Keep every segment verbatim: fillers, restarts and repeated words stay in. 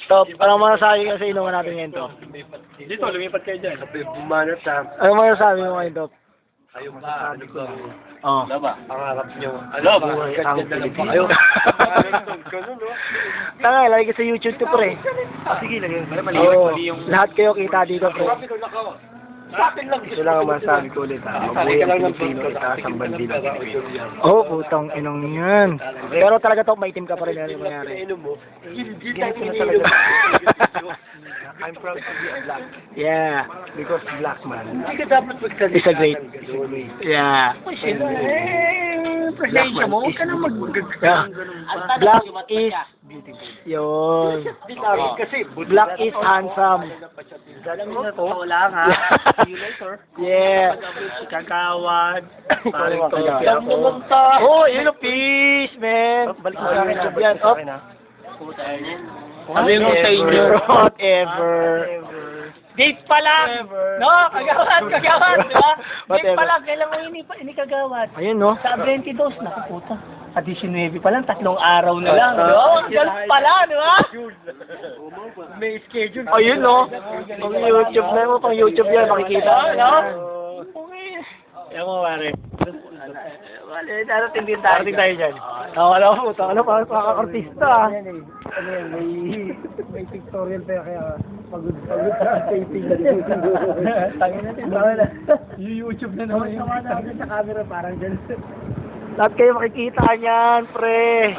Top, anong masasabi ka sa inuman natin ngayon, Top? Dito, lumipat kayo dyan. Bumanat ha. Anong masasabi mo ngayon, Top? Ayun ba, ano ba? Oh. Wala ba? Pangarap nyo. Ano? Buhay ang Ganda lang pa Pilipino. kayo. Tanga, lagi ka sa YouTube to, pre. Sige, lagyan. Oo, lahat kayo kita dito, pre. Ito lang ang masasabi ko ulit ha. Buhay ang Pilipino, itaas ang bandila. Oh, putang inong yan. Pero talaga, Top, maitim ka pa rin. Ano yung mangyari? Ganito na talaga. I'm proud to be a black. Yeah. Because black man. Hindi ka dapat magsalita. It's a great. Yeah. Presensya mo, huwag ka na mag... Yeah. Black is yun. Kasi, Black is handsome. alam mo na to. Wala nga. See you later. Yeah. Kagawad. Parang to. Lang naman ta. Oh, yun ang peace, man. Balik mo sa akin job yan. Oh. Ano yung sa inyo? Whatever. Date pa lang! No, kagawad, kagawad, di ba? Date Whatever. pa lang, kailan mo ini, ini kagawad? Ayun, no? Sa twenty-two, naku puta. Sa nineteen pa lang, tatlong araw na lang. No, golf pala, di ba? May schedule. Ayun, no? Pang YouTube na mo, pang YouTube yan, makikita. No? Okay. Yan mo, pare. Wala, darating din tayo. Parating tayo dyan. Oo, alam mo, ano pa, pakakartista, ah. Ano yan, may, may pictorial pa kaya pagod pagod sa taping na dito. Tangin natin. YouTube na naman yung sa camera parang dyan. Lahat kayo makikita niyan, pre.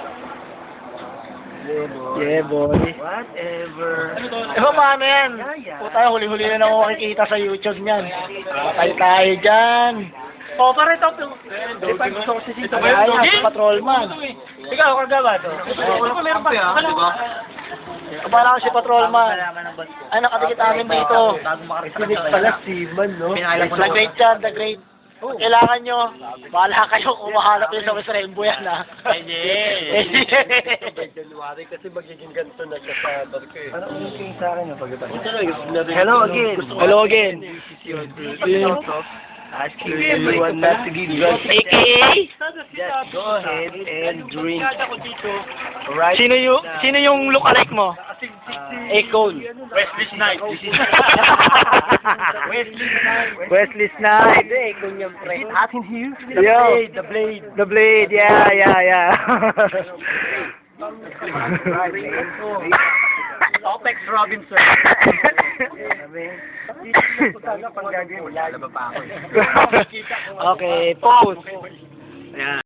Yeah, boy. Whatever. Eh, paano yan? Puta, huli-huli na naman makikita sa YouTube niyan. Patay tayo dyan. O, pare, top yung... Di ba, gusto ko si Sito. Ayan, si Patrolman. Ikaw, kagawad. Ito, meron pa yan, di ba? Kabala ko si Patrolman. Ay, nakadikit namin dito. Sinig pala si Man, no? The Great yan, The Great. Kailangan nyo, bahala kayo kung mahanap yun sa West Rainbow yan, ha? Hindi. January kasi magiging ganito na siya sa barko eh. Ano yung sa akin na pagkatapos? Hello again. Hello again. Asking everyone not to give drugs. A K A? Just go ahead and drink. Right? Sino yung, sino yung look-alike mo? Akon. Wesley Snipes. Wesley Snipes. Wesley Snipes. Hindi, kung yung pre. Atin here? Yo. The blade. The Blade, yeah, yeah, yeah. Opex Robinson. Pang gagawin, wala na ba pa ako? Okay, pause. Yeah.